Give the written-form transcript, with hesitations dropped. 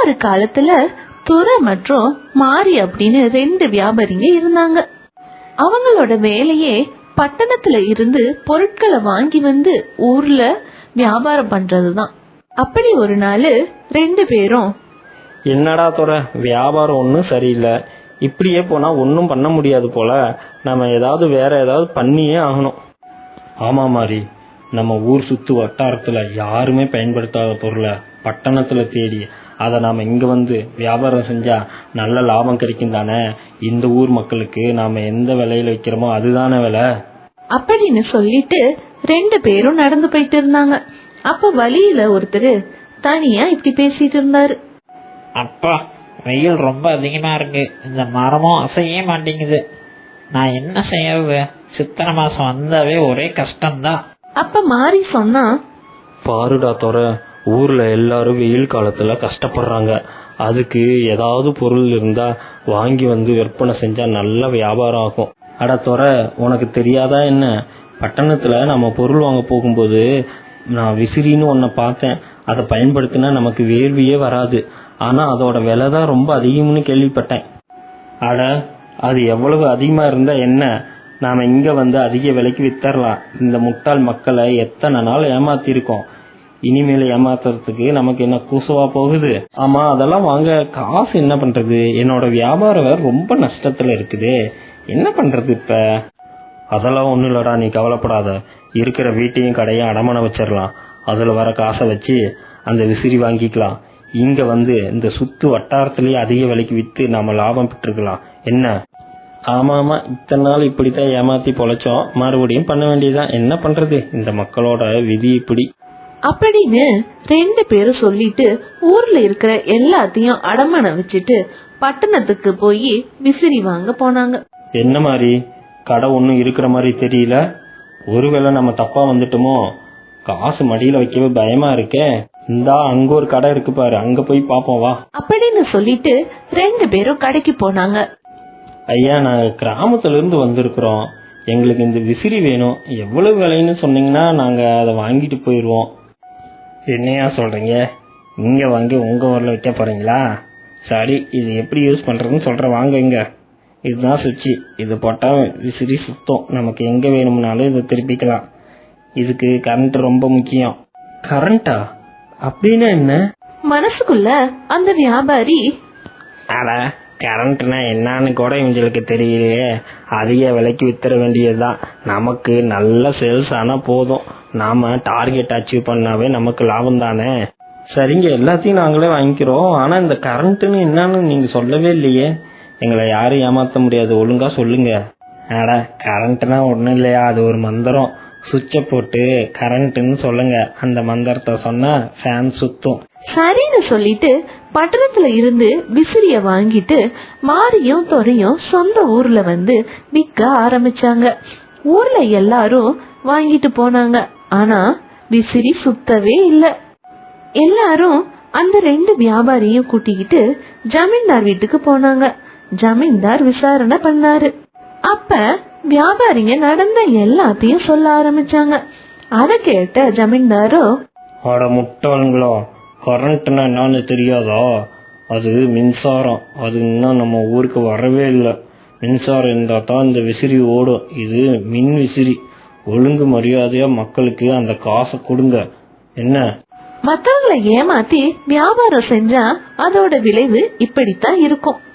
ஒரு காலத்துல துரை மற்றும் மாரி அப்படின்னு 2 வியாபாரிங்க இருந்தாங்க. அவங்களோட வேலையே பட்டணத்துல இருந்து பொருட்களை வாங்கி வந்து ஊர்ல வியாபாரம் பண்றதுதான். அப்படி ஒரு நாள் 2 பேரும், என்னடா துறை, வியாபாரம் ஒன்றும் சரியில்லை, இப்படியே போனா ஒன்றும் பண்ண முடியாது போல, நம்ம ஏதாவது வேற ஏதாவது பண்ணியே ஆகணும். ஆமா மாதிரி, நம்ம ஊர் சுத்து வட்டாரத்துல யாருமே பயன்படுத்தாத பொருளை பட்டணத்துல தேடி அதை நாம இங்க வந்து வியாபாரம் செஞ்சா நல்ல லாபம் கிடைக்கும் தானே. இந்த ஊர் மக்களுக்கு நாம எந்த விலையில வைக்கிறோமோ அதுதானே விலை அப்படின்னு சொல்லிட்டு 2 பேரும் நடந்து போயிட்டு இருந்தாங்க. அப்ப வழியில ஒருத்தர் தனியா இப்படி பேசிட்டு இருந்தாரு. அப்பா, வெயில் ரொம்ப அதிகமா இருக்கு, இந்த மரமும் அசைய மாட்டேங்குது, நான் என்ன செய்யறது? சித்திரை மாசம் வந்தாவே ஒரே கஷ்டம்தான். அப்ப மாறி சொன்னா, பாருடா துறை, ஊர்ல எல்லாரும் வெயில் காலத்துல கஷ்டப்படுறாங்க, அதுக்கு ஏதாவது பொருள் இருந்தா வாங்கி வந்து விற்பனை செஞ்சா நல்ல வியாபாரம் ஆகும். அட துறை, உனக்கு தெரியாதா என்ன, பட்டணத்துல நம்ம பொருள் வாங்க போகும்போது நான் விசிறின்னு ஒன்ன பார்த்தேன், அதை பயன்படுத்தினா நமக்கு வேர்வையே வராது, ஆனா அதோட விலை தான் ரொம்ப அதிகம்னு கேள்விப்பட்டேன். அட, அது எவ்வளவு அதிகமா இருந்தா என்ன, நாம இங்க வந்து அதிக விலைக்கு வித்தரலாம். இந்த முட்டாள் மக்களை எத்தனை நாள் ஏமாத்திருக்கோம், இனிமேல ஏமாத்துறதுக்கு நமக்கு என்ன கூசவா போகுது? ஆமா, அதெல்லாம் வாங்க காசு என்ன பண்றது? என்னோட வியாபாரம் ரொம்ப நஷ்டத்துல இருக்குது, என்ன பண்றது இப்ப? அதெல்லாம் ஒண்ணும் இல்லடா, நீ கவலைப்படாத, இருக்கிற வீட்டையும் கடையும் அடமானம் வச்சிடலாம், அதுல வர காசை வச்சு அந்த விசிறி வாங்கிக்கலாம், இங்க வந்து இந்த சுத்து வட்டாரத்திலேயே அதிக விலைக்கு வித்து நாம லாபம் பெற்றுக்கலாம், என்ன? ஆமா ஆமா, இத்தனை நாள் இப்படித்தான் ஏமாத்தி பொழைச்சோம், மறுபடியும் பண்ண வேண்டியதுதான், என்ன பண்றது, இந்த மக்களோட விதி இப்படி அப்படின்னு 2 பேரும் சொல்லிட்டு ஊர்ல இருக்கிற எல்லாத்தையும் அடமானம் வச்சுட்டு பட்டணத்துக்கு போய் விசிறி வாங்க போனாங்க. என்ன மாதிரி, கடை ஒன்றும் இருக்கிற மாதிரி தெரியல, ஒருவேளை நம்ம தப்பா வந்துட்டோமோ, காசு மடியில வைக்கவே பயமா இருக்கே, இந்தா அங்க ஒரு கடை இருக்கு பாரு, அங்க போய் பாப்போம் வா அப்படின்னு சொல்லிட்டு 2 பேரும் கடைக்கு போனாங்க. ஐயா, நாங்க கிராமத்துல இருந்து வந்திருக்கிறோம், எங்களுக்கு இந்த விசிறி வேணும், எவ்வளவு விலைன்னு சொன்னீங்கன்னா நாங்க அதை வாங்கிட்டு போயிடுவோம். என்னையா சொல்றீங்க, இங்க வாங்கி உங்க ஊர்ல வைக்க போறீங்களா? சரி, இது எப்படி யூஸ் பண்றதுன்னு சொல்றேன், வாங்க. இங்க இதுதான் சுவிட்சு, இது போட்டா விசிறி சுத்தம், நமக்கு எங்க வேணும்னாலும் இதை திருப்பிக்கலாம். இதுக்கு கரண்ட் ரொம்ப முக்கியம். கரண்டா? அப்படின்னா என்ன? மனசுக்குள்ள அந்த வியாபாரி, அட, கரண்ட்னா என்னன்னு கூட இவங்களுக்கு தெரியலையே, அதிக விலைக்கு வித்தர வேண்டியதுதான், நமக்கு நல்ல சேல்ஸ் ஆனா போதும், நாம டார்கெட் அச்சீவ் பண்ணாவே நமக்கு லாபம் தானே. சரிங்க, எல்லாத்தையும் நாங்களே வாங்கிக்கிறோம், ஆனா இந்த கரண்ட்னு என்னன்னு நீங்க சொல்லவே இல்லையே, எங்களை யாரும் ஏமாத்த முடியாது, ஒழுங்கா சொல்லுங்க. அட, கரண்ட்னா ஒண்ணும் இல்லையா, அது ஒரு மந்திரம், சுவிட்சை போட்டு கரண்ட்னு சொல்லுங்க, அந்த மந்திரத்தை சொன்னா ஃபேன் சுத்தும். சரின்னு சொல்லிட்டு பட்டணத்துல இருந்து விசிறிய வாங்கிட்டு மாரியும் துரையும் சொந்த ஊர்ல வந்து விற்க ஆரம்பிச்சாங்க. ஊர்ல எல்லாரும் வாங்கிட்டு போனாங்க, ஆனா விசிறி சுத்தவே இல்ல. எல்லாரும் அந்த 2 வியாபாரியும் கூட்டிக்கிட்டு ஜமீன்தார் வீட்டுக்கு போனாங்க. ஜமீன்தார் விசாரணை பண்ணாரு. அப்ப வியாபாரிங்க நடந்த எல்லாத்தையும் சொல்ல ஆரம்பிச்சாங்க. அத கேட்ட ஜமீன்தாரோ, அட முட்டாளுங்களா, கரண்ட்னா என்னன்னு தெரியாதா? அது மின்சாரம், அது இன்னும் நம்ம ஊருக்கு வரவே இல்லை, மின்சாரம் இருந்தா தான் இந்த விசிறி ஓடும், இது மின் விசிறி, ஒழுங்கு மரியாதையா மக்களுக்கு அந்த காசை கொடுங்க, என்ன? மத்தவங்களை ஏமாத்தி வியாபாரம் செஞ்சா அதோட விளைவு இப்படித்தான் இருக்கும்.